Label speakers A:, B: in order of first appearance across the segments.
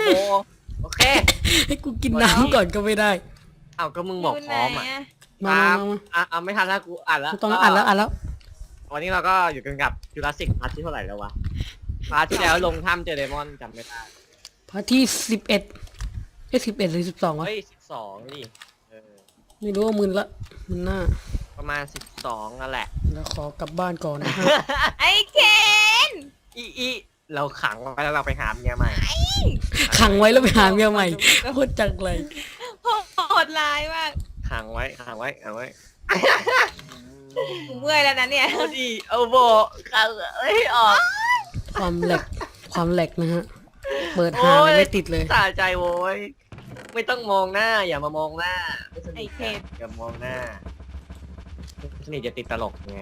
A: โอเค
B: ให้กูกินน้ำก่อนก็ไม่ได้
A: อ้าวก็มึงบอกพร้อมอ่ะ
B: มา
A: ไม่ทันแล้วกูอ่านแล้ว
B: ต้องอ่านแล้ว
A: วันนี้เราก็อยู่กันกับจูราสสิกพาร์ทที่เท่าไหร่แล้ววะพาร์ทที่แล้วลงถ้ำเจอเดมอนจำไม่ได้
B: พาร์ทที่1111หรือ12วะ
A: เฮ้ย12ดิ
B: ไม่รู้ว่ามึนละมึนหน้า
A: ประมาณ12นั่นแหละ
B: แล้วขอกลับบ้านก่อนนะฮะ
C: ไอ้เคน
A: อีเราขังไว้แล้วเราไปหาเมียใหม่
B: ขังไว้แล้วไปหาเมียใหม่โคตรจังเลย
C: โหดร้ายมาก
A: ขังไว้
C: เมื่อยแล้วนะเนี่ย
A: โอ้ดีเอาโบขังออก
B: ความแหลกนะฮะเปิดหาไม่ติดเลย
A: สะใจโว้ยไม่ต้องมองหน้าอย่ามามองหน้า
C: ไอ้เคน
A: อย่ามองหน้าสนิทจะติดตลกไง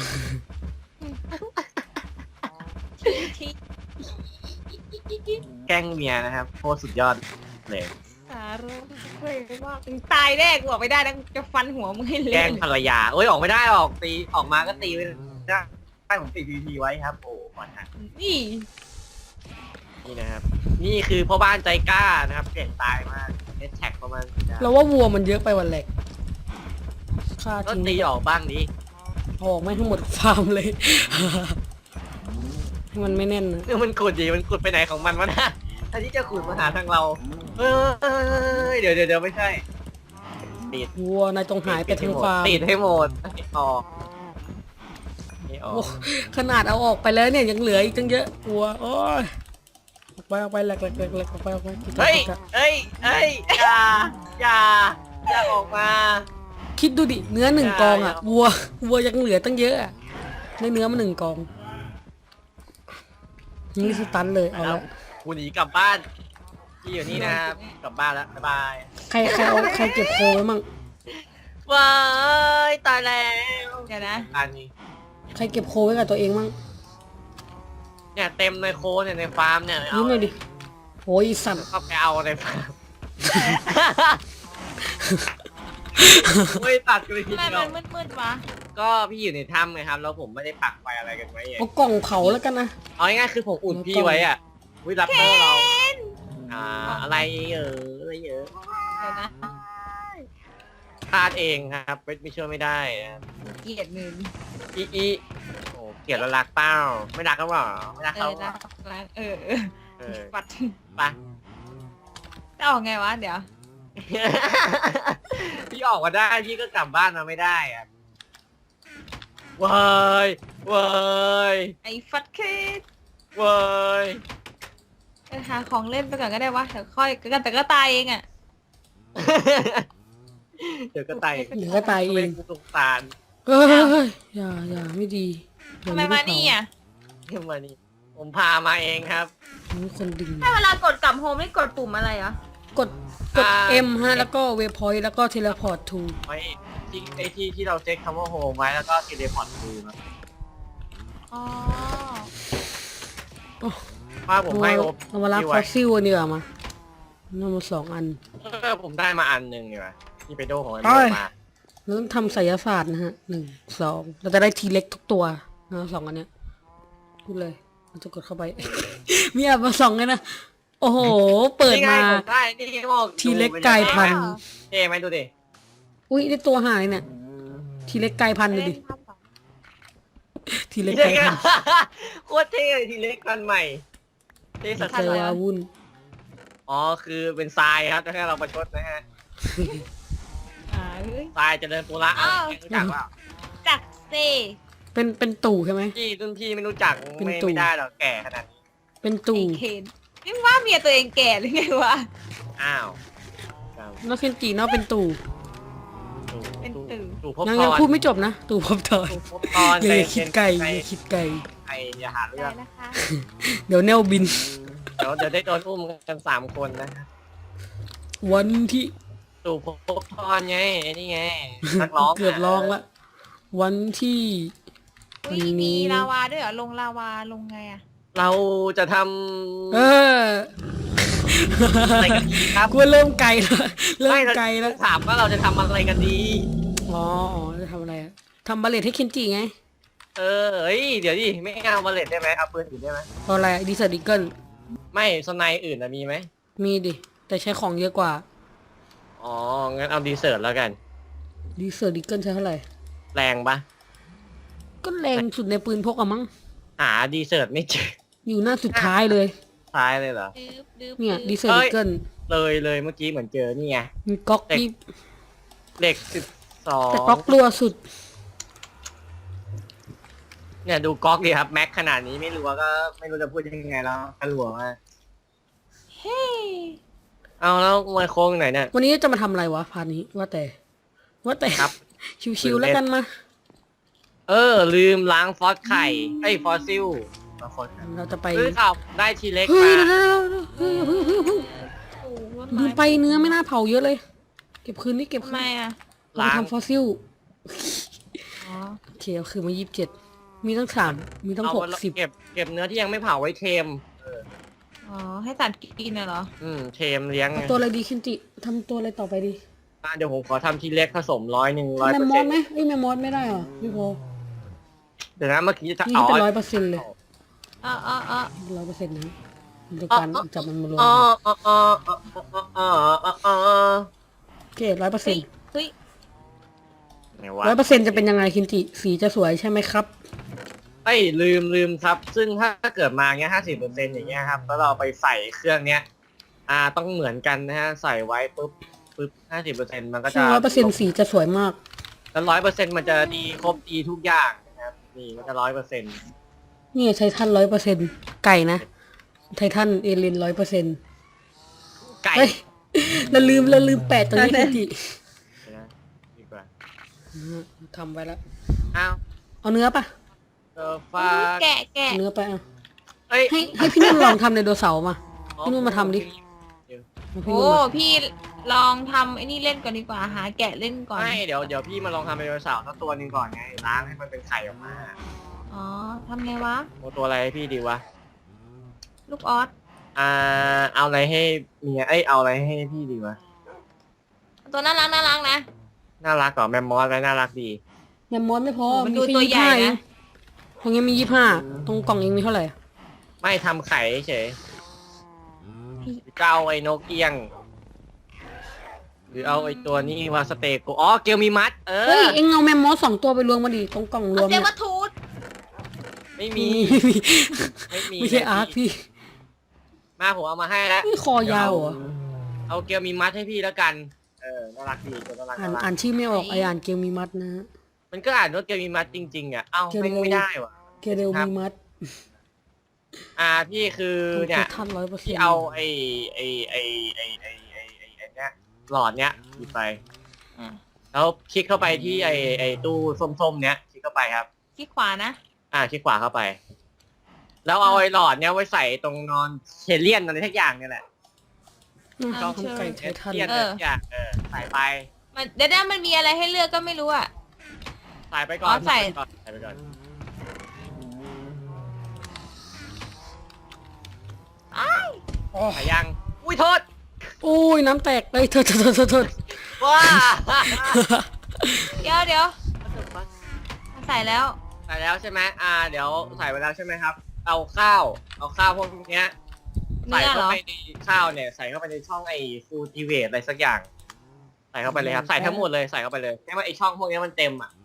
A: แกล้งเมียนะครับโคตรสุดยอดเลย
C: สารุเฮ้ยว่าตายแน่กูออกไม่ได้นะจะฟันหัวมึงให้เละ
A: แกล้งภรรยาออกไม่ได้ตีออกมาก็ตีไปได้ผมติดพีไว้ครับโอ้ก่อนนะ
C: นี่
A: นะครับนี่คือพ่อบ้านใจกล้านะครับเก่งตายมากแท็กประมาณ
B: เราว่าวัวมันเยอะไปวันแหลกฆ่า
A: ทิ้งตีออกบ้างดิ
B: ออกไม่ทั้งหมดฟาร์มเลยมันไม่แน่นนะ
A: มันขุดมันขุดไปไหนของมันวะนะอันนี้จะขุดมาหาทางเราเดี๋ยวไม่ใช่
B: ติดวัวนายต้องหายไปทั้งฟาร์ม
A: ติดให้หมดออก
B: ขนาดเอาออกไปแล้วเนี่ยยังเหลืออีกตั้งเยอะวัวโอ้ยออกไปแหลกออกไป
A: เฮ้ยอย่าออกมา
B: คิดดูดิเนื้อ1กองอ่ะวัวยังเหลือตั้งเยอะอ่ะในเนื้อมัน1กองนี่สตันเลยเอาละ
A: กูหนีกลับบ้านที่อยู่นี่นะครับกลับบ้านแล้วบ๊ายบาย
B: ใครเก็บโคไว้มั่ง
A: ว้ายตายแล้ว
C: เดี๋ยวนะ
A: อันนี้
B: ใครเก็บโคไว้กับตัวเองมั่ง
A: เนี่ยเต็มในโคเนี่ยในฟาร์มเนี่ย
B: นี่หน่อยดิโอ้ยสัตว์
A: ก็ไปเอาในฟาร์มไม่ตัดกันเลยทีเดียว
C: มันมืดวะ
A: ก็พี่อยู่ในถ้ำไงครับแล้วผมไม่ได้ปักไฟอะไรกันไว้
B: เอากล่องเผาแล้วกันนะ
A: เอาง่ายๆคือผมอุ่นพี่ไว้อ่ะวิรับโทษเราอะไรอะไรเยอะ
C: เดี๋ยวนะ
A: พลาดเองครับไม่เชื่อไม่ได้
C: เกลียดมึง
A: โอ้เกลียดแล้วรักเป้าไม่รักก็บอกไม่รักเขา
C: รักปัด
A: ไป
C: จะออกไงวะเดี๋ยว
A: พี่ออกมาได้พี่ก็กลับบ้านมาไม่ได้อะว้าย
C: ไอ้ฟัดคิด
A: ว้าย
C: หาของเล่นไปก่อนก็ได้วะเดี๋ยวค่อยแต่ก็ตายเองอ่ะ
A: เดี๋ยวก็ตาย
B: เอง
A: สงสาร
B: อย่าไม่ดี
C: ทำไมมานี่อ่ะ
A: มานี่ผมพามาเองครับ
B: นี่คนดึง
C: ให้เวลากดกลับโฮมไม่กดปุ่มอะไรเหรอก
B: ด M ฮะแล้วก็เวพอยต์แล้วก็เทเลพอร์ตทู
A: ไว้ที่เราเช็คคำว่าโฮมไว้แล้วก็เทเลพอร์ตทูนะ
C: อ๋อ
A: ว่าผมให้
B: เอามารับฟอสซิลนี่มานั่นมา2 อัน
A: ผมได้มาอันหนึ่งนี่วะนี่ไปโดของมันมา
B: เราต้องทำไสยศาสตร์นะฮะ1 2เราจะได้ทีเล็กทุกตัวนะ2 อันเนี้ยพูดเลยมันจะกดเข้าไปมีอันมา2เลยนะโอ้โหเปิดมาทีเล็กกลายพันธุ์
A: ไหมดูดิ
B: อุ้ยได้ตัวหายเนี่ยทีเล็กกลายพันธุ์ดูดิทีเล็กกลายพันธุ์
A: โคตรเท่เลยทีเล็กพันธุ์ใหม่เท่สัสๆเลย
B: วุ่น
A: อ๋อคือเป็นทรายครับจะให้เราประชดนะฮะทรายจะเดินปูระรู้จักเปล่า
C: จักเซ
B: เป็นตู่ใช่ไหม
A: รุ่นพี่ไม่รู้จักไม่ได้หรอกแก่ขนาดนี้
B: เป็นตู่
C: นี่ว่าเมียตัวเองแก่หรือไงวะ
A: อ้าว
B: แล้วเคนจีเนาะเป็นตู่
A: ยัง
B: พูดไม่จบนะตู่พบทอนอย่าคิดไกล
A: อย่าหาเรื่อง
B: เดี๋ยวแนวบิน
A: เดี๋ยวได้โดนอุ้มกัน3 คนนะ
B: วันที่
A: ตู่พบทอนไงนี่ไงนักร้อง
B: เกือบร้องละวันที่
C: มีลาวาด้วยเหรอลงลาวาลงไงอะ
A: เราจะท
B: ำอะไรกันดีครับกูเริ่มไกลแล้ว
A: ถามว่าเราจะทำอะไรกันดี
B: อ๋อจะทำอะไรทำบัลเลตให้เคนจิไง
A: เดี๋ยวดิไม่เอาบัลเลตได้ไหมเอาปืนอื่นได้ไหม
B: เอาอะไรดิสดิเกิล
A: ไม่สไนอื่นมีไหม
B: มีดิ แต่ใช้ของเยอะกว่า
A: อ๋อ งั้นเอาดีเซิร์ตแล้วกัน
B: ดีเซอร์ดิเกิลใช้เท่าไหร่
A: แรงปะ
B: ก็แรงสุดในปืนพกอะมั้ง
A: หาดีเซิร์ตไม่เจอ
B: อยู่หน้าสุดท้ายเลย
A: ท้ายเลยเหรอ
C: ดื้อ
B: เนี่ยดีเซอร์ดิเกิล
A: เลยเมื่อกี้เหมือนเจอนี่ไง
B: มีก๊อกนี่
A: เหล็ก12
B: แต่ก๊อกรัวสุด
A: เนี่ยดูก๊อกดิครับ แม็กขนาดนี้ไม่รู้ก็ไม่รู้จะพูดยังไงแล้วกระหลวมาก
C: เฮ้ย
A: เอาแล้วมาโค้งไหนเนี่ย
B: วันนี้จะมาทำอะไรวะพาร์ทนี้ ว่าแต่
A: ครับ
B: ชิวๆแล้วกันมา
A: ลืมล้างฟอสไข่ไอ้ยฟอสซิลมาฟอสไข่
B: เราจะไป
A: ข่าวได้ทีเล็ก
B: เฮ้
A: มาย
B: เดี๋ยวเฮ้ยเพิ่ง
C: โอ้โห
B: ลืมไปเนื้อไม่น่าเผาเยอะเลย เก็บคืนนี่เก็บ
C: ทำ
B: คื
C: ไม
B: น
C: อ่ะ
B: เราทำฟอสซิล
C: อ๋อ
B: โอเคเอาคือมา27 มีตั้ง3 มีตั้ง
A: เอา
B: 60
A: เก็บเนื้อที่ยังไม่เผาไว้เทม
C: อ๋อให้สัตว์กินน่ะเหรอ
A: เทมเลี้ยงไง
B: เอาตัวอะไรดีคินจิทำตัวอะไรต่อไปดี
A: เดี๋ยวผมขอทำทีเล็กผสม100
B: แมมมอสไหมเอ้ยแมมมอสไม่ได้เหรอพี่โพ
A: เดี๋ยวนะเมื่อกี้จะ
B: นี่ก็เป็น100%เลย
C: อ๋อ
B: 100%นะเดียวกันจับมันมารวม
A: อ๋อ
B: โอเค100%
C: เฮ้ย
A: ไหนวะ
B: 100%จะเป็นยังไงคินจิสีจะสวยใช่ไหมครับ
A: เอ้ยลืมครับ ซึ่งถ้าเกิดมาเงี้ย50%อย่างเงี้ยครับแล้วเราไปใส่เครื่องเนี้ยต้องเหมือนกันนะฮะใส่ไว้ปุ๊บ50%มันก็จะ
B: 100%สีจะสวยมาก
A: แล้ว100%มันจะดีครบดีทุกอย่างนะครับนี่มันจะ100%
B: นี่ไททัน100%ไก่นะไททันเอเลน100%
A: ไก่
B: เฮ้ยเราลืมแปะตรงนี้คินจิ
A: เดี๋ยวนะดีกว่า
B: ทำไว้แล้ว
A: อ้าว
B: เอาเนื้อปะ
A: ฟ้า
C: แกะ
B: เอาเนื้อไปอ่ะ
A: เอ้ย
B: ให้พี่นุ่นลองทำไดโนเสาร์มาพี่นุ่นมาทำดิเอาพี่
C: โอ้
B: นุ่นมา
C: พี่ลองทำไอ้นี่เล่นก่อนดีกว่าหาแกะเล่นก่อน
A: ไม่เดี๋ยวพี่มาลองทำเป็นไดโนเสาร์สักตัวหนึงก่อนไงล้างให้มันเป็นไข่ออกมา
C: อ๋อทำไงวะ
A: โอ้ตัวอะไรให้พี่ดีวะ
C: ลูกออส
A: เอาอะไรให้เมียเอาอะไรให้พี่ดีวะ
C: ตัวน่ารักนะ
A: น่ารักกว่าแมมมอสไว้น่ารักดี
B: แมมมอสไม่พอ
C: มัน
B: มี
C: ดู
B: แค่
C: ตัวใหญ่
B: 25เอง
C: นะ
B: ตรงนี้มี25ตรงกล่องเองมีเท่าไหร่
A: ไม่ทำไข่เฉยเจ้าไอ้นกเอี้ยง หรือเอาไอ้ตัวนี้มาสเตโกอ๋อเกลมีมัด
B: เฮ้ยเอ็งเอาแมมมอส2 ตัวไปรวมมาดิตรงกล่องรว
C: เอา
B: ม
C: เจ
B: เนี่ย
C: วัตทูด
A: ไม่มี ไม่มี
B: ไม่ใช่อาร์คพี่
A: มาผมเอามาให้แล้ว
B: นี่คอยาวเหรอ
A: เอาเกลมีมัดให้พี่แล้วกัน น่ารักดีตัวน่ารัก
B: อ่านชื่อไม่ออกไออ่านเกลมีมัดนะฮะ
A: มันก็อ่านว่าเกลมีมัดจริงๆอ่ะ เอ้า
B: เกล
A: ไม่ได้ว่ะ
B: เกลมีมัด
A: พี่คือ
B: ตรง
A: เนี่ย
B: ทัน100%
A: ที่เอาไอ้เนี้ยหลอดเนี้ยหยิบไป แล้วคลิกเข้าไปที่ไอ้ตู้ส้มๆเนี้ยคลิกเข้าไปครับ
C: คลิกขวานะ
A: คลิกขวาเข้าไป แล้วเอาไอ้หลอดเนี้ยไว้ใส่ตรงนอนเชลเลียนอะไรทุกอย่างเนี่ยแหละ
B: ทำไก่ไททัน
A: เชลเลียนอะไรทุกอย่างใส่ไป
C: มันเดี๋ยวมันมีอะไรให้เลือกก็ไม่รู้อ่ะ
A: ใส่ไปก่อน
C: อ๋อใส่
A: ใส่ไปก่อน ใส่ยัง อุ้ยโทษ
B: โอ้ยน้ำแตกเลยโทษ
A: ว้า
C: เดี๋ยวใส่แล้ว
A: ใส่แล้วใช่ไหมเดี๋ยวใส่ไปแล้วใช่ไหมครับ เอาข้าวพวกเนี้ย
C: เนื้
A: ใส่
C: อเหร
A: เข้า
C: อ
A: ไปในข้าวเนี่ยใส่เข้าไปในช่องไอ้ฟูลทีเวทอะไรสักอย่าง ใส่เข้าไปเลยครับใส่ทั้งหมดเลยใส่เข้าไปเลยให้มันไอ้ช่องพวกนี้มันเต็มอ่ะ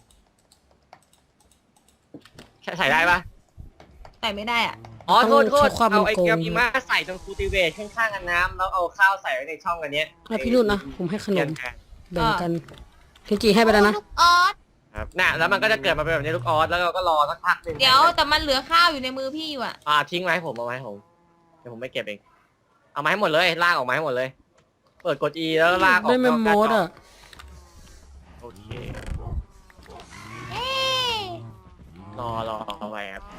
A: แค่ใส่ได้ปะ
C: ใส่ไม่ได้อ่ะ
A: อ๋อโทษ
B: ใช้ความ
A: เอาไอ้
B: โกง
A: เกี๊ยวมีมาใส่ตรงฟูลทีเวทข้างๆกันน้ำแล้วเอาข้าวใส่ไว้ในช่องอันเนี้ย
B: แล้วพี่นุ่นนะผมให้ขน
A: เทีย
B: ม
A: แทน
B: แบ่งกันคินจิให้ไปแล้วนะ
C: ลูกออส
A: ครับน่ะแล้วมันก็จะเกิดมาเป็นแบบนี้ลูกออสแล้วเราก็รอสักพักหนึง
C: เดี๋ยวแต่มันเหลือข้าวอยู่ในมือพี่อยู่อ่ะ
A: ทิ้งไว้ให้ผมเอาไว้ให้ผมเดี๋ยวผมไม่เก็บเองเอามาให้หมดเลยลากออกมาให้หมดเลย เปิดกด E แล้วลากออก
B: ได้แมมมอสอ่ะ
A: โอเค
C: เอ๊ะ
A: รอไว้ครับ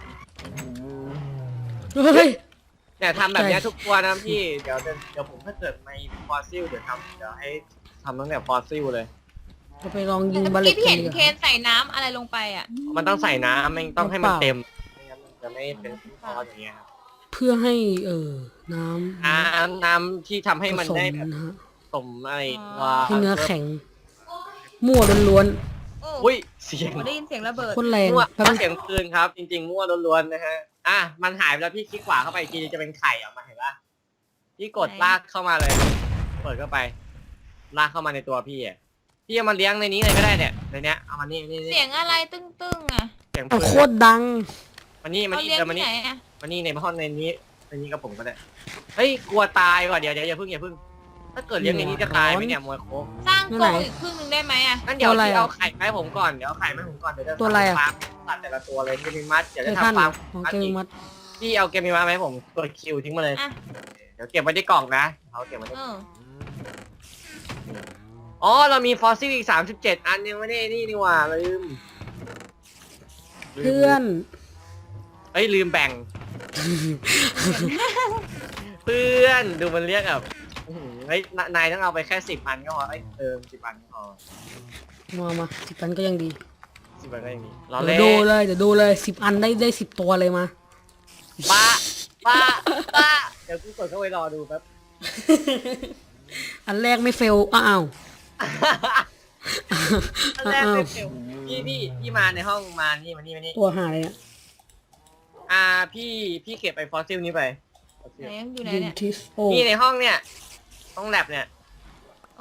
B: เฮ้ย
A: เนี่ยทำแบบเนี้ย
B: ใช่
A: ทุกตัวนะพี่เดี๋ยวผมถ้าเกิดในฟอสซิลเดี๋ยวให้ทำตั้งแต่ฟอสซิลเลย
B: เราไปลองยิง
C: แต่
B: บา
C: เมื่อ
B: เล
C: กี้
B: ต
C: พี่
B: กั
C: เห็
B: น
C: น
B: ดีก
C: เคน
B: ว่า
C: ใส่น้ำอะไรลงไปอ่ะ
A: มันต้องใส่น้ำมันต้องให้มัน
B: เปล่า
A: เต็มไม่งั้นมันจะไม่เป็นฟอสอย่างเงี้ยครับ
B: เพื่อให้น้ำ
A: น้ำที่ทำให้มัน
B: ผส
A: ได้แบบ
B: นะฮะ
A: สมอะไร
B: ให้เนื้อแข็ง มั่วล้วน
C: โอ้
A: อุ้ยเสียง
C: โหได้ยินเสียงระเบิด
B: ๆโคนแรง
A: มั่ว
B: แป๊บนึง
A: เสียงปืนครับ จริงๆมั่วล้วนๆนะฮะมันหายไปแล้วพี่คลิกขวาเข้าไปอีกทีจะเป็นไข่ออกมาเห็นปะพี่กดลากเข้ามาเลย เปิดเข้าไป ลากเข้ามาในตัวพี่อ่ะพี่เอามาเลี้ยงในนี้เลยก็ได้เนี่ยในเนี้ยเอามานี่
C: เสียงอะไรตึ้งๆอ่ะ
A: เสียง
B: เอา
A: ปืน
B: โคตรดัง
A: มานี่มา
C: เขา
A: นี่
C: เลี้ยง
A: เดินมา
C: ที่
A: นี่
C: ไหนอ่ะ
A: มานี่ในห้องในนี้กับผมก็ได้เฮ้ยกลัวตายก่อนเดี๋ยวอย่าเพิ่งถ้าเกิดเลี้ยงในนี้จะตายไหมเนี่ยมวยโค้ง
C: สร้าง
B: ตัว
C: ก
B: ไหน
C: รงอีกครึ่งหนึงได้ไหมอ่ะ
A: งั้นเดี๋ยว
B: ตัวอะไร
A: พี่
B: อะ
A: เอาไข่มาให้ผมก่อนเดี๋ยวเอาไข่มาให้ผมก่อนเดี๋ยวจะ
B: ตัวอะไรอะ
A: ฟาร์มตัดแต่ละตัวเลยเกมมิมัสเดี๋ยว
B: ไท
A: จะ
B: ทัน
A: ทำฟาร์ม
B: โอเคมัด
A: พี่เอาเกมมิมัสมาให้ผมกดคิวทิ้งมาเลย
C: อ่ะ
A: เดี๋ยวเก็บไว้ที่กล่องนะเขาเก็บไว้ที่
C: เออ
A: อ๋อเรามีฟอสซิลอีก37 อันยังไม่ได้นี่หว่าลืม
B: เพื่อน
A: เอ้ยลืมแบ่ง เพื่อนดูมันเรียกแบบอื้อหือเฮ้ยนายต้องเอาไปแค่10 อันก็พอเอ้ย10 อันก็พอ
B: มา10 อันก็ยังดี
A: 10 อันก็ยังมีเรา
B: เดี๋
A: เล่
B: ยวดูเลยเดี๋ยวดูเลย10 อันได้10 ตัวเลยมา
A: บ้าบ้าเดี๋ยวกูกดเข้าไปรอดูแป๊บ
B: อันแรกไม่เฟลอ้าว
A: อันแรกเป็นเดี๋ยวพี่มาในห้องมานี่มานี่
B: ตัวหายอ่ะ
A: พี่เก็บไอ้ฟอสซิลนี้ไปฟอสซิล
C: ไหนอยู่ไหน
B: ยู
C: เนี่ย
B: ทิสโอ
A: นี่ในห้องเนี่ยห้องแลบเนี่ย
C: โอ้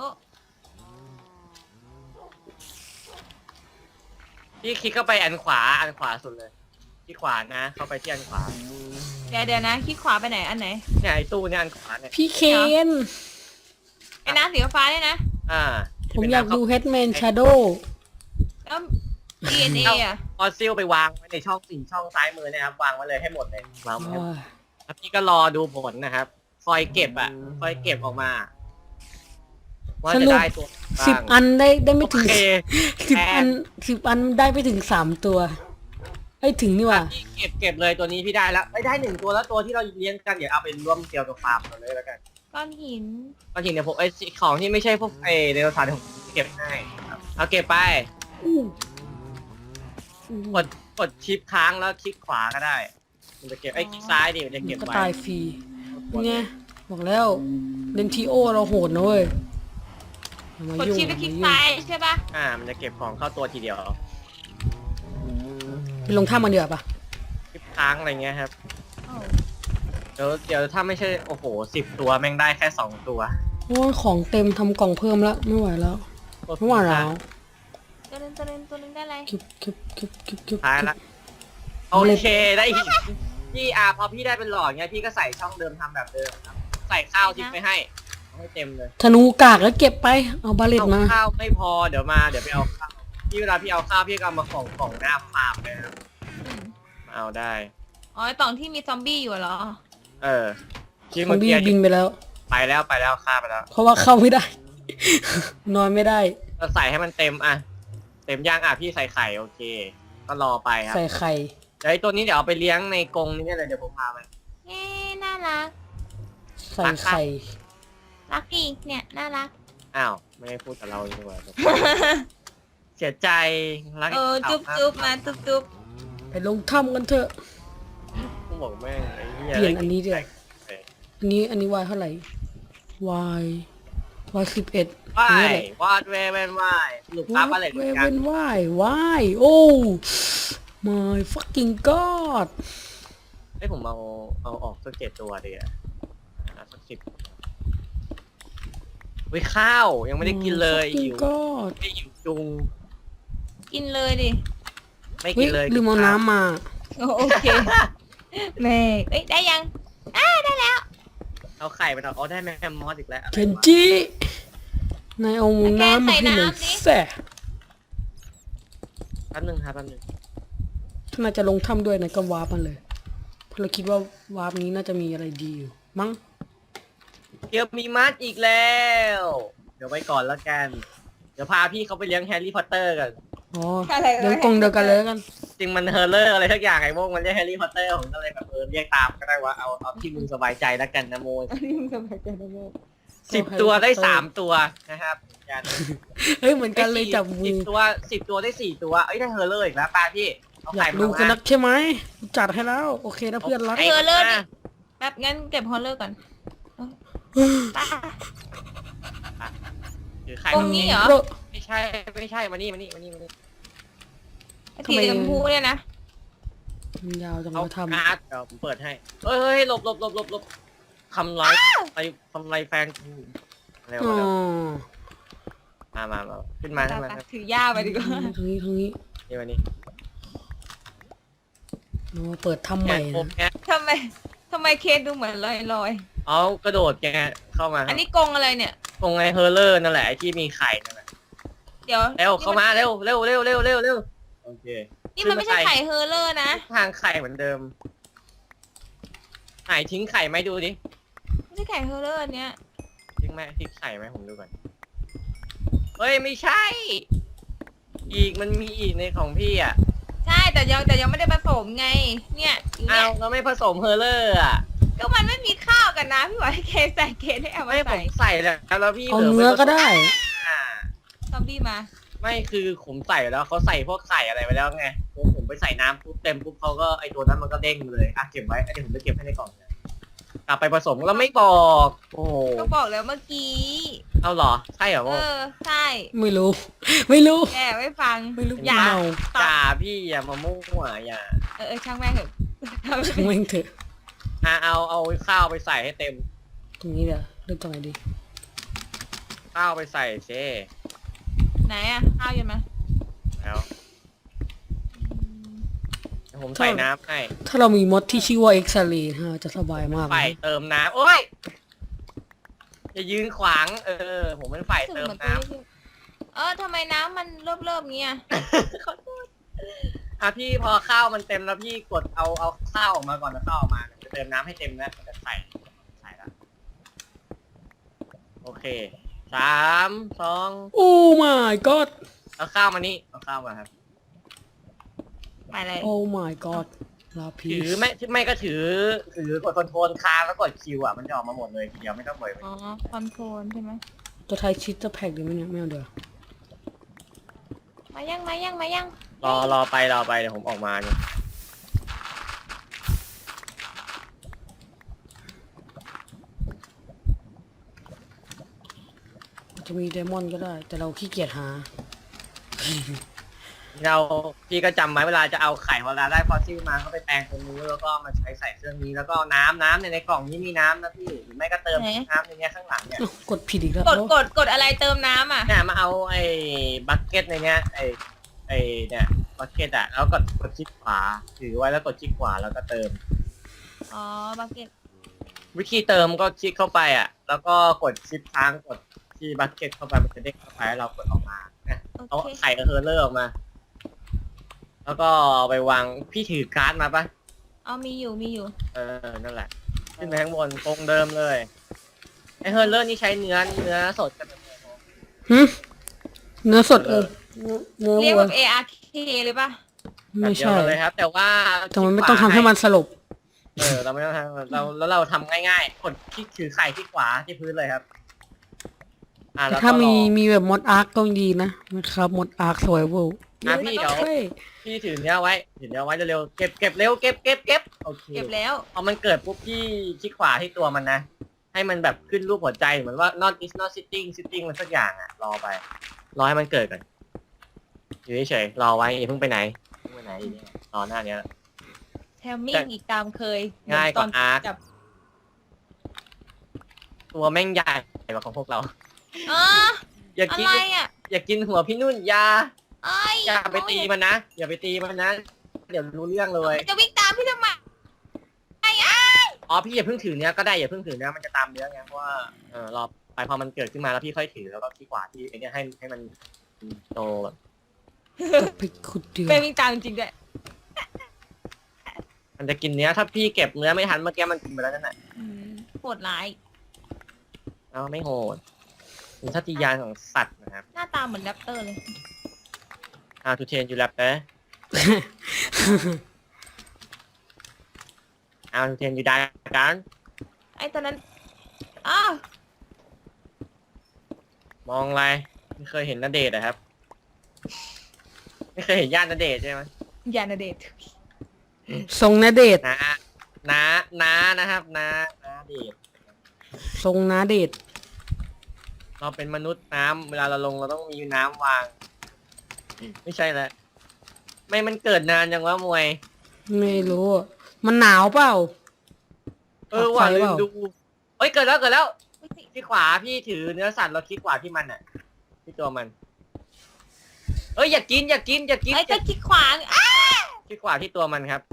A: พี่คลิกเข้าไปอันขวาสุดเลยที่ขวานะเข้าไปที่อันขวา
C: เดี๋ยวนะคลิกขวาไปไหนอันไหน
A: เนี่ยไอ้ตู้เนี่ยอันขวาเนี่ย
B: พี่เคน
C: ไอ้น้ำสีฟ้าเนี่ยนะ
B: ผมอยากดู Headman Shadow
C: แล้ว DNA อ่ะ
A: ฟอสซิลไปวางไว้ในช่อง4 ช่องซ้ายมือนะครับวางไว้เลยให้หมดเลยวางไว้ให้หมดแล้วพี่ก็รอดูผลนะครับคอยเก็บออกมาว่าจะได้ตัวบ้าง
B: 10 อันได้ไม่ถึง
A: โอเค
B: 10 อันได้ไม่ถึง3 ตัวไอ้ยถึงนี่ว่ะ
A: พี่เก็บเลยตัวนี้พี่ได้แล้วได้1 ตัวแล้วตัวที่เราเลี้ยงกันเดี๋ยวเอาไปร่วมเกี่ยวกับฟาร์มกันเลยแล้วกัน
C: ก้อนหิน
A: ก็จริงเดี๋ยวผมของที่ไม่ใช่พวกในโทรศัพท์ผมเก็บให้ครับเอาเก็บไปกดชิปค้างแล้วคลิกขวาก็ได้มันจะเก็บคลิกซ้ายดิมันจะเก็บ
B: ก็
A: ไว้
B: ตายฟรีไงบอกแล้วเล่นทีโอเราโหดนะเว้ยอย่ามาก
C: ด
B: ยุ่ง
C: ชิปไปคลิกซ้ายใช่ปะ
A: มันจะเก็บของเข้าตัวทีเดียว
B: ไปลงท่ามันเดือปะ
A: คลิปค้างอะไรเงี้ยครับ
C: โอ้
A: เดี๋ยวถ้าไม่ใช่โอ้โห10 ตัวแม่งได้แค่2 ตัว
B: โอ้ยของเต็มทำกล่องเพิ่มแล้วไม่ไหวแล้วไม่ไหวแล้ว
C: ตัวนึงได้อะไร
B: คิบ
A: ท้ายละโอเคได้อีกพี่พอพี่ได้เป็นหลอดเงี้ยพี่ก็ใส่ช่องเดิมทำแบบเดิมครับใส่ข้าวทิ้งไปให้เอาให้เต็มเลย
B: ธนูกากแล้วเก็บไปเอาบาเลต
A: เอา
B: มา
A: ข้าวไม่พอเดี๋ยวไปเอาข้าวพี่เวลาพี่เอาข้าวพี่ก็เอามาของหน้าฟาร์มเลยครับ
C: อืม
A: มาเอาได้
C: อ๋อไอ้ตองที่มีซอมบี้อยู่เหรอ
A: ที่
B: ซอ
A: เมื่
B: ม
A: อ
B: บี้
A: กี้
B: บินไปแล้ว
A: ไปแล้วฆ่าไปแล้ว
B: เพราะว่าเข้าไม่ได้ นอนไม่ได้
A: เราใส่ให้มันเต็มเต็มย่างพี่ใส่ไข่โอเค ก็รอไปครับ
B: ใส่ไข่
A: เดี๋ยวไอ้ตัวนี้เดี๋ยวเอาไปเลี้ยงในกรงนี่เลยเดี๋ยวผมพาไป
C: เอ๊ะน่ารัก
B: ใส่ไข่
C: รักอีกเนี่ยน่ารัก
A: อ้าวไม่ได้พูดกับเราดีกว่า เสียใจรัก
C: จุ๊บมาจุ๊บ
B: ไปลงถ้ำกันเถอะ
A: กูบอกแม่งไอ้เหี้ย
B: เปลี่ยนอันนี้ด้วย อันนี้วายเท่าไหร่วาย 11
A: ว่าย
B: นี่แหละ
A: วาดเวเวนว่ายหลุดอัพอะไรเหมือนกัน
B: วายโอ้ my fucking god
A: ให้ผมเอาออกสัก7 ตัวดีอ่ะสัก10วิข้าวยังไม่ได้กินเลย
B: fucking
A: หิว
B: god
A: ไม่หิวจุง
C: กินเลยดิ
A: ไม่
B: เฮ้
A: กิ
B: ย
A: นเลย
B: ลืมเอาน้ำมา
C: โอเคแม่เอ้ยได้ยังได้แล้ว
A: เอาไข่ไปเอาได้แมมมอสอีกแล้ว
B: เคนจินายเอาน้ำมาให้หน่อยแซ่
A: แป๊บนึงครับแป๊บนึง
B: ถ้านายจะลงถ้ำด้วยนายก็วาร์ปมันเลยเพราะเราคิดว่าวาร์ปนี้น่าจะมีอะไรดีอยู่มั้ง
A: เดี๋ยวมีมัดอีกแล้วเดี๋ยวไว้ก่อนแล้วกันเดี๋ยวพาพี่เขาไปเลี้ยงแฮร์รี่พอตเตอร์กัน
B: อ๋อ
C: อะไร
B: เดี๋ยวกรงเดียวกันเลยแล้วกัน
A: จริงมันเฮอร์เลอร์อะไรทักอย่างไอ้โมงมันเรียกแฮร์รี่พอตเตอร์ผมก็เลยแบบเรียกตามก็ได้ว่าเอาที่มึงสบายใจแล้วกันนะโม
C: อันนี้มึงสบายใจนะโม
A: 10 ตัวได้3 ตัวนะครับกัน
B: เฮ้ยเหมือนกันเลยจับมือ
A: 10 ตัวได้4 ตัวเอ้ยได้เฮอร์เลอร์อีกแล้วป้าพี่เอา
B: อยา
A: ไข่
B: ก
A: มา
B: ดูกัน
A: นะ
B: นักใช่ไหมจัดให้แล้ว โอเคนะเพื่อนรัก
A: ไข่
C: เฮอร์เลอร์
A: มา
C: แบบงั้นเก็บฮอลเลอร์ก่อนไป
A: ถือไข่
C: ตรงนี้เหรอ
A: ไม่ใช่มานี่
C: ไอ้สีชมพูเนี่ยนะ
B: มันยาวจัง
A: เอา
B: มาทำ
A: การ์ดเดี๋ยวผมเปิดให้เฮ้ยหลบทำร้ายทำร้ายแฟนกูอะไร
B: อ๋
A: วะ
B: อ
A: มาขึ้นมาขึ้นมา
C: ถือย่าไปดีกว่า
B: ตรงนี้
A: นี่วันนี้
B: เราเปิดถ้ำใหม่
A: โอ
B: นะ
A: เค
C: ทำไมเคสดูเหมือนลอย
A: เอากระโดดแกเข้ามา
C: ๆอันนี้กรงอะไรเนี่ย
A: ตรงไอ้เฮอร์เลอร์นั่นแหละไอ้ที่มีไข่นั่นแหละ
C: เดี๋ยว
A: เร็วเข้ามาเร็วโอเค
C: นี่มันไม่ใช่ไข่เฮอร์เลอร์นะ
A: ทางไข่เหมือนเดิมไหนทิ้งไข่ไหมดูดิ
C: ไม่ใช่ไข่เฮอร์เลอร์อันเนี้ย
A: ทิ้งไหมทิ้งไข่ไหมผมดูก่อนเฮ้ยไม่ใช่ อีกมันมีอีกในของพี่อ่ะ
C: ใช่แต่ยังไม่ได้ผสมไง เนี่ยอยู่
A: อ้า
C: เนี่
A: วย เราไม่ผสมเฮอร์เลอร์อ่ะ
C: ก็มันไม่มีข้าวกันนะพี่หวายเคสใส่เคสให้เอามา
A: ไม่ผ
C: ใส่
A: มใส่แล้วพี่
B: เอา
A: หลื
B: เนื้อก็ได้
A: อ่า
C: ซอมบี้มา
A: ไม่คือผมใส่แล้วเขาใส่พวกไข่อะไรไปแล้วไงผมไปใส่น้ำปุ๊บเต็มปุ๊บเขาก็ไอตัวนั้นมันก็เด้งเลยอ่ะเก็บไว้เดี๋ยวผมจะเก็บให้ในกล่องนะกลับไปผสมแล้วไม่บอกโอ้โห
C: ก็บอกแล้วเมื่อกี้
A: เอาเหรอใช่เหรอ
C: เอ
A: โม
C: อใช่
B: ไม่รู้
C: แกไม่ฟัง
B: ไม่รู้
C: อย่า
B: เมา
A: จ่าพี่อย่ามามั่วอย่า
C: ช่างแม่งเถอะ
B: ช่างแม่งเถอะ
A: เอาข้าวไปใส่ให้เต็ม
B: ตรงนี้เดี๋ยวเริ่มตรงไหนดี
A: ข้าวไปใส่เช่
C: ไหนอะข้าวอยู่ไหม
A: แล้วเดี๋ยวผมใส่น้ำให้
B: ถ้าเรามีมดที่ชื่อว่าเอ็กซาเรย์ฮะจะสบายมาก
A: ไฟ
B: เลย
A: เติมน้ำโอ้ยอย่ายืนขวางผมเป็นฝ่าย
C: รู้สึก
A: เติม
C: เหมือน
A: น้
C: ตัวนี้ทำไมน้ำมันเริ่มๆเงี้ย
A: ำขอโทษพี่พอข้าวมันเต็มแล้วพี่กดเอาข้าวออกมาก่อนแล้วข้าวออกมาจะเติมน้ำให้เต็มนะมันจะใส่ละโอเค3 2
B: โอ้ my god
A: เอาข้าวมานี่เอาข้าวมาครับ
C: ไปเลย
B: โอ้ my god ลาพี
A: ถือไม่ก็ถือกดคอนโทรลค้างแล้วกดคิวอ่ะมันจะออกมาหมดเลยทีเดียวไม่ต้องบ่อย
C: อ๋อคอนโทรลใช่ไหม
B: ตัวไทยชิดจะแพ็กดีไหมเนี่ยไม่เอาเดี๋ยว
C: มายัง
A: รอไปเดี๋ยวผมออกมาเนี่ย
B: จะมีเดมอนก็ได้ แต่เราขี้เกียจหา
A: พี่ก็จำไว้เวลาจะเอาไข่เวลาได้ฟอสซิลมาก็ไปแปลงตรงนู้นแล้วก็มาใช้เครื่องนี้แล้วก็น้ำในกล่องนี้มีน้ำนะพี่หรือไม่ก็เติมน้ำในเนี้ยข้างหลังเนี่ย
B: อ้าวกดผิดอีกแล้ว
C: กดอะไรเติมน้ำอ่ะ
A: เนี่ยมาเอาไอ้บัคเก็ตในเนี้ยไอ้เนี่ยบัคเก็ตอ่ะแล้วกดคลิกขวาถือไว้แล้วกดคลิกขวาแล้วก็เติม
C: อ๋อบักเก็ต
A: วิธีเติมก็คลิกเข้าไปอ่ะแล้วก็กดชิปค้างกดที่บัคเก็ตเข้าไปมันจะเด้งเข้าไปแล้วเรากดออกมาเนี่ย
C: โอ
A: เอา
C: เค
A: ไข่กับเฮอร์เลอร์ออกมา แล้วก็ไปวางพี่ถือการ์ดมาปะ
C: เอามีอยู่
A: นั่นแหละขึ้นไปข้างบนตรงเดิมเลยไอเฮอร์เลอร์นี่ใช้เนื้อสดกัน
B: หึเนื้อสดเนื้อ
C: เรียก
B: วัว
C: แบบ ARK เลยป่ะ
B: ไม่
A: แบบเดียว
B: ใช่
A: กันเลยครับ แต่ว่า
B: แต่มันไม่ต้องทำให้มันสลบ
A: เราไม่ต้องทำเราทำง่ายๆกดคลิกถือไข่ที่ขวาที่พื้นเลยครับแล้วก็
B: ถ้าร
A: อ
B: มีแบบมดอาร์คก็ดีนะครับมดอาร์คสวยเวล
A: พี่เดี๋ยวพี่ถือเนื้อไว้เร็วๆเก็บเร็วเก็บโอเค
C: เก็บแล้ว
A: พอมันเกิดปุ๊บพี่คลิกขวาที่ตัวมันนะให้มันแบบขึ้นรูปหัวใจเหมือนว่า not is not sitting มันสักอย่างอ่ะรอไปรอให้มันเกิดก่อนอยู่เฉยๆรอไว้อย่าเพิ่งไปไหนอีกเนี่ยรอหน้าเนี้ย
C: แทมมิ่งอีกตามเคย
A: ง่ายกว่า
C: ตน
A: อาร์ค
C: จับ
A: ตัวแม่งใหญ่กว่าของพวกเรา
C: อ๋อ
A: อย่า
C: อะ
A: กิน
C: ไรอ่ะ
A: อย่ากินหัวพี่นุ่นอย่า
C: เอ้ย
A: อย่าไปตีมันนะอย่าไปตีมันนะเดี๋ยวรู้เรื่องเลย
C: จะวิ่งตามพี่ทำไม
A: อ๋อพี่อย่าเพิ่งถือเนื้อก็ได้อย่าเพิ่งถือเนื้อมันจะตามเนื้อไงเพราะว่ารอไปพอมันเกิดขึ้นมาแล้วพี่ค่อยถือแล้วก็ที่ขวาที่ไอ้เนี่ยให้มันโตแบบ
B: ไปขุดเดือ
C: เป็นวิ่งตามจริงๆด้วย
A: มันจะกินเนื้อถ้าพี่เก็บเนื้อไม่ทันเมื่อกี้มันกินไปแล้วนั่นแหละ
C: โหดร้าย
A: เอาไม่โหดเป็นทัศยานของสัตว์นะครับ
C: หน้าตาเหมือนแรปเตอร์เลย
A: How to train you raptor How to train you dragon
C: ไอ้ตอนนั้นอ้าว
A: มองอะไรไม่เคยเห็นณเดชน์อะครับ ไม่เคยเห็นญาติณเดชน์ใช่ไหม
C: ยานาเดท
B: ทรงนาเดชน์
A: น้านะครับน้าเดชน์
B: ทรงนาเดชน์
A: เราเป็นมนุษย์น้ำเวลาเราลงเราต้องมีน้ำวาง ไม่ใช่แล้วไม่มันเกิดนานจังวะมวย
B: ไม่รู้อะมันหนาวเปล่า
A: ว่า
B: ไฟ
A: ลื
B: เป
A: ม
B: ล่า
A: ดูอ้ยเกิดแล้วที่ขวาพี่ถือเนื้อสัตว์แล้วคลิกขวาที่มันอ่ะที่ตัวมันเอ้ยอย่ากิน
C: ไอ้ก็คลิกขวาอ้า
A: คลิกขวาที่ตัวมันครับ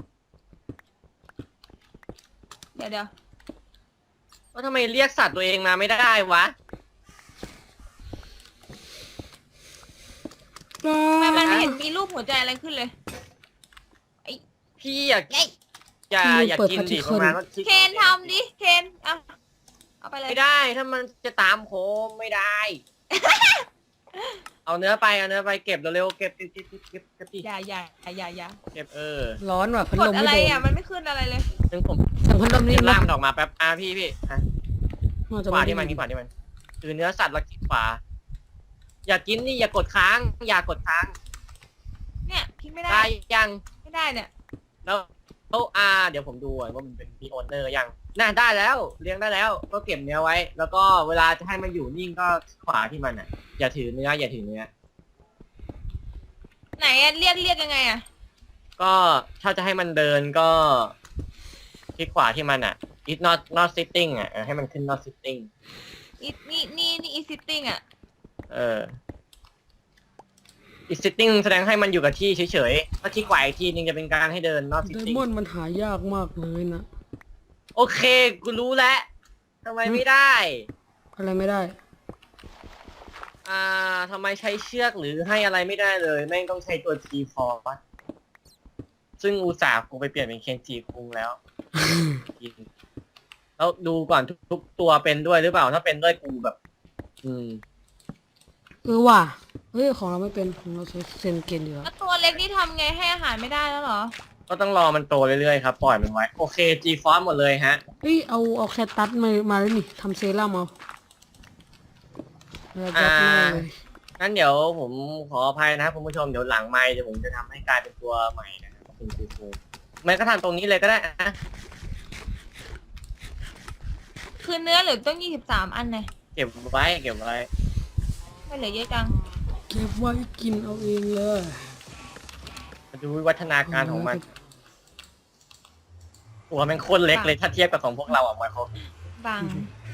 C: เดี๋ยว
A: ว่าทำไมเรียกสัตว์ตัวเองมาไม่ได้วะ
C: ทำไมมันไม่เห็นมีรูปหัวใจอะไรขึ้นเลย
A: พี่อย่า
C: ไอ้
A: อย่ากินดิประมาณว่าคลิก
C: เคนทำดิเคนเอาไปเลย
A: ไม่ได้ถ้ามันจะตามโคมไม่ได้ เอาเนื้อไปเก็บเร็วๆเก็บดิ
C: อย่า
A: เก็บ
B: ร้อนว่ะพัด
C: ก
B: ล
C: ด
B: ม
C: อะ
B: ไม่
C: ไร
B: โดน
C: อ่ะมันไม่ขึ้นอะไรเลย
A: ซึ่งผม
B: สั่งพัดลมนี่
A: จะ
B: นะ
A: ล่ามดอกมาแป๊บพี่ฮะ
B: น่าจะ
A: ขวาที่มันคือเนื้อสัตว์แล้วคลิกขวาอย่ากินนี่อย่ากดค้าง
C: เนี่ยคลิกไม่ได้
A: ได้ยัง
C: ไม่ได้เนี่ย
A: แล้วเดี๋ยวผมดูก่อนว่ามันเป็นมีโอนเนอร์ยังน่าได้แล้วเลี้ยงได้แล้ว ก็เก็บเนื้อไว้ แล้วก็เวลาจะให้มันอยู่นิ่งก็ขวาที่มันอ่ะอย่าถือเนื้อ
C: ไหนอะเรียกยังไงอะ
A: ก็ถ้าจะให้มันเดินก็คลิกขวาที่มันอ่ะ it not sitting อ่ะให้มันขึ้น not sitting
C: นี่อีซิตติ้งอะ
A: it sitting แสดงให้มันอยู่กับที่เฉยๆถ้าคลิกขวาอีกทีนึงจะเป็นการให้เดิน not
B: ได
A: sitting
B: มอนด์มันหายากมากเลยนะ
A: โอเคกูรู้แล้วทำไมไม่ได้
B: อะไรไม่ได้
A: ทำไมใช้เชือกหรือให้อะไรไม่ได้เลยแม่งต้องใช้ตัว G-Force ซึ่งอุตส่าห์กูไปเปลี่ยนเป็นเคนจิคุงแล้ว แล้วดูก่อนทุกตัวเป็นด้วยหรือเปล่าถ้าเป็นด้วยกูแบบ
B: ว่ะเฮ้ยของเราไม่เป็นของเราใช้เซนเกนอยู่แล้ว
C: แล้วตัวเล็กนี่ทำไงให้อาหารไม่ได้แล้วเหรอ
A: ก็ต้องรอมันโตเรื่อยๆครับปล่อยมันไว้โอเค G-Force หมดเลยฮะ
B: เฮ้ยเอาแคตตัสมาแล้วนี่ทำเซรั่มเอาแล้วก็เลย
A: งั้นเดี๋ยวผมขออภัยนะครับคุณผู้ชมเดี๋ยวหลังไมค์เดี๋ยวผมจะทำให้กลายเป็นตัวใหม่นะครับคุณครูไม่ก็ทำตรงนี้เลยก็ได้นะ
C: คือเนื้อเหลือต้อง23 อันเลย
A: เก็บไว้
C: ไม่เหลือเยอะจัง
B: เก็บไว้กินเอาเองเลย
A: มาดูวิวัฒนาการของมันตัวมันโคตรเล็กเลยถ้าเทียบกับของพวกเราอ่ะมันเขา
C: บัง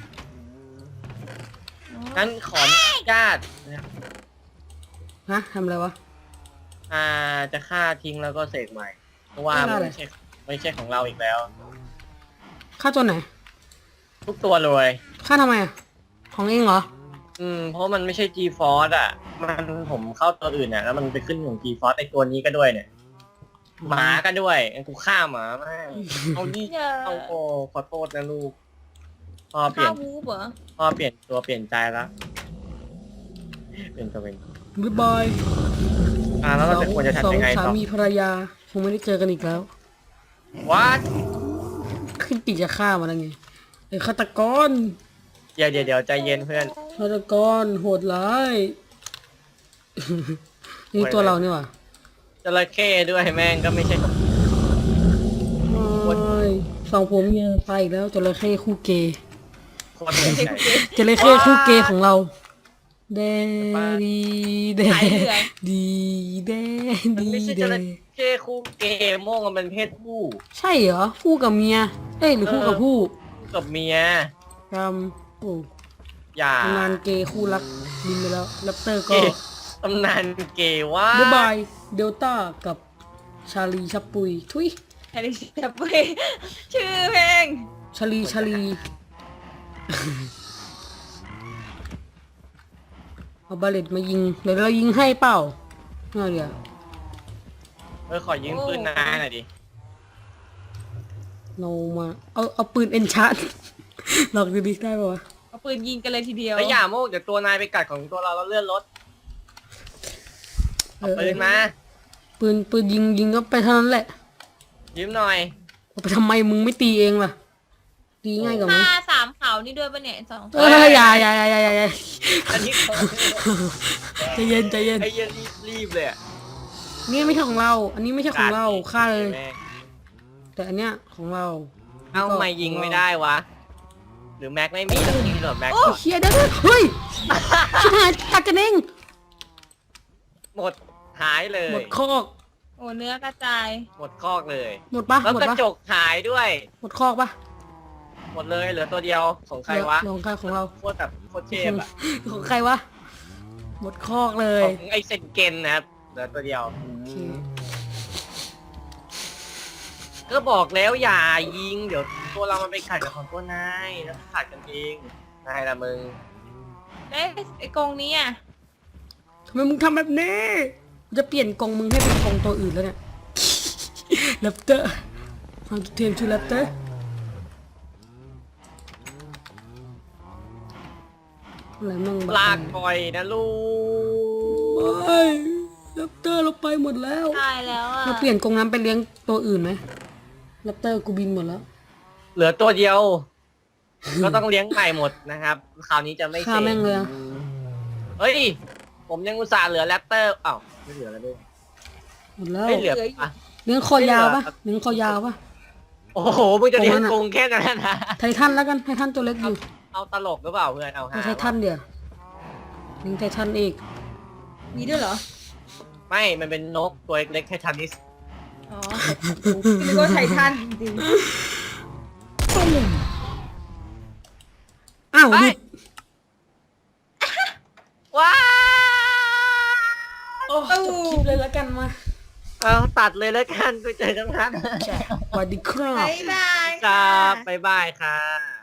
A: งั้นขออนุญาตนะครับ
B: ฮะทำอะไรวะ
A: จะฆ่าทิ้งแล้วก็เสกใหม่ เพราะว่ามันไม่ใช่ของเราอีกแล้ว
B: ค่าตัวไหน
A: ทุกตัวเลย
B: ค่าทำไมอ่ะ ของเองเหรอ
A: เพราะมันไม่ใช่ G-Force อ่ะ ผมเข้าตัวอื่นอ่ะแล้วมันไปขึ้นของ G-Force ไอตัวนี้ก็ด้วยเนี่ยหมาก็ด้วยกูฆ่าหมาแม่งเอาดิเอาโอ้ขอโทษนะลูกพ่อเปลี่
C: ข้าวย
A: น
C: วูบเหรอ
A: พ่อเปลี่ยนตัวเปลี่ยนใจแล้วเป็นตัวเป็น
B: บ๊ายบาย
A: แล้วเราจะควรจะ
B: สอ
A: ทำยังไง
B: สา
A: ต่อ
B: มีภรรยาคงไม่ได้เจอกันอีกแล้ว
A: วัด
B: ขึ้นปีกจะฆ่ามันแล้วไงไอ้ฆาตกร
A: เดี๋ยวใจเย็นเพื่อน
B: ฆาตกรโหดร้าย นี่ตัวเรานี่หว่า
A: จระเข้ด้วยแม่งก็ไม่ใช่
B: ไม่สองผมเนี่ยไปอีกแล้วจระเข้คู่เกย์
A: โคตรเหนื่อยใจ
B: จระเข้คู่เกย์ของเราเดดีเด
C: สายเหลือง
B: ดีเด
A: มัน
B: ดี
A: ไม่ใช่
B: เด
A: จระเข้คู่เกย์โม่งมันเป็นเพศผู้
B: ใช่เหรอคู่กับเมียเอ้ยหรือคู่กับผู้
A: คู่กับเมีย
B: กำโอ้
A: อย่า
B: ตำนานเกย์คู่รักบินไปแล้วแรปเตอร์
A: เก
B: ก็
A: ย์ตำนานเกย์ว่า
B: บ๊ายบายเดลต้ากับชาลีชับปุยทุย
C: แฮร์รี่จับไปชื่อเพลง
B: ชาลี เอาบาเลตมายิงเดี๋ยวเรายิงให้เปล่าเอาเดี๋ยว
A: ขอยิงปืนนายหน่อยดิ
B: เรามาเอาปืนเอนชาร์ ลองดูดิได้ป่าวะ
C: เอาปืนยิงกันเลยทีเดียว
A: แล้วอย่าโม่งเดี๋ยวตัวนายไปกัดของตัวเราแล้วเลื่อนรถเอาปืนมา
B: ปืนยิงก็ไปเท่านั้นแหละ
A: ยืมหน่อย
B: เอาไปทำไมมึงไม่ตีเองล่ะตีง่ายกว่าไหม
C: ฆ่า3 เขานี่ด้วยปะเนี่ย2
B: อย่า
A: อันนี้
B: ใจเย็น
A: ไอ้เหี้ยรีบเลยอะ
B: นี่ไม่ใช่ของเรา อันนี้ไม่ใช่ของเราฆ่าเลย
A: แม่ง
B: แต่อันเนี้ยของเรา
A: เอ้าไม่ยิงไม่ได้วะ หรือแม็กไม่มีต้องยิงหรอแม็ก
B: โอ้เฮียได้ด้วยเฮ้ยชิบหายตัดกันเอง
A: หมดหายเลย
B: หมดคอก
C: โอ้เนื้อกระจาย
A: หมดคอกเลย
B: หมดปะ
A: แล้ว
B: หมด
A: กระ
B: ปะ
A: จกหายด้วย
B: หมดคอกปะ
A: หหมดเลยเหลือตัวเดียวของใครวะ
B: ของใครของเรา
A: โคตรแบบโคตรเทพอะ
B: ของใครวะหมดคอกเลย
A: ของไอเซนเกนนะครับเหลือตัวเดียว
B: โอเค
A: ก็บอกแล้วอย่ายิงเดี๋ยวตัวเรามันไปขัดกับของตัวนายแล้วขัดกันเองนายละมึง
C: เอ๊ะไอ้กรงนี้อ่ะ
B: ทำไมมึงทำแบบนี้จะเปลี่ยนกรงมึงให้เป็นกรงตัวอื่นแล้วเนี่ย แรปเตอร์ความเทียมชื่อแรปเตอร์อะไรมั่ง
A: ลากปล่อยนะลูก
B: ไม่แรปเตอร์เราไปหมดแล้ว
C: ตายแล้วอ่ะ
B: เราเปลี่ยนกรงน้ำไปเลี้ยงตัวอื่นไหมแรปเตอร์กูบินหมดแล้ว
A: เหลือตัวเดียว ก็ต้องเลี้ยงใหม่หมดนะครับ คราวนี้จะไม่
B: ฆ่า
A: เสร็
B: แม่ง
A: จ
B: เลยอะ
A: เฮ้ย ผมยังอุตส่าห์เหลือแรปเตอร์อ้าวไม่เหลือแล้วด้วย
B: หมดแล้ว
A: ไม่เหลือปะ
B: เลี้ยงคอยาวปะเลี้ยงคอยาวปะ
A: โอ้โหมึงจะเลี้ยง
B: ตรงนั้นอะ
A: กรงแค่นั้นนะ
B: ไททันแล้วกันไททันตัวเล็กอยู่
A: เอาตลกหรือเปล่าเพื่อนเอา
B: เอา
A: หา
B: ไททันเดี๋ยวเลี้ยงไททันอีก
C: มีด้วยเหรอ
A: ไม่มันเป็นนกตัวเล็กๆแค่ทันนิส
C: อ๋อนึกว่าไททันจริง
B: อ้าวหยุด
A: ว้า
B: โอ้จบคลิปเลยแล้วกันมา
A: เอาตัดเลยแล้วกันไปเจอกันนะ
B: สวัสดีครั
C: ๆ
B: บ
C: บ๊ายบาย
A: ค
C: ค่ะ
A: รับบ๊ายบายค่ะ